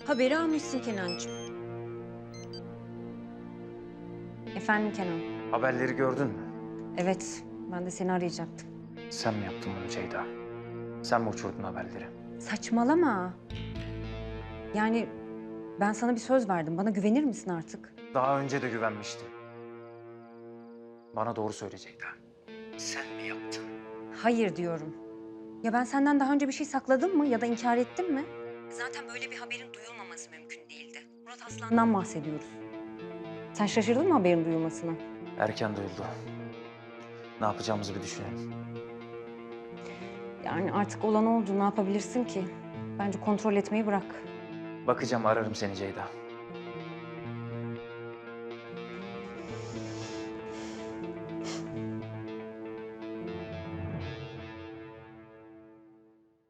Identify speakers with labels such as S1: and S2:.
S1: Haberi almışsın Kenancığım. Efendim Kenan?
S2: Haberleri gördün mü?
S1: Evet, ben de seni arayacaktım.
S2: Sen mi yaptın bunu Ceyda? Sen mi uçurdun haberleri?
S1: Saçmalama. Yani ben sana bir söz verdim. Bana güvenir misin artık?
S2: Daha önce de güvenmiştim. Bana doğru söyle Ceyda. Sen mi yaptın?
S1: Hayır diyorum. Ya ben senden daha önce bir şey sakladım mı ya da inkar ettim mi? Zaten böyle bir haberin duyulmaması mümkün değildi. Murat Aslan'dan bahsediyoruz. Sen şaşırdın mı haberin duyulmasına?
S2: Erken duyuldu. Ne yapacağımızı bir düşünelim.
S1: Yani artık olan oldu. Ne yapabilirsin ki? Bence kontrol etmeyi bırak.
S2: Bakacağım, ararım seni Ceyda.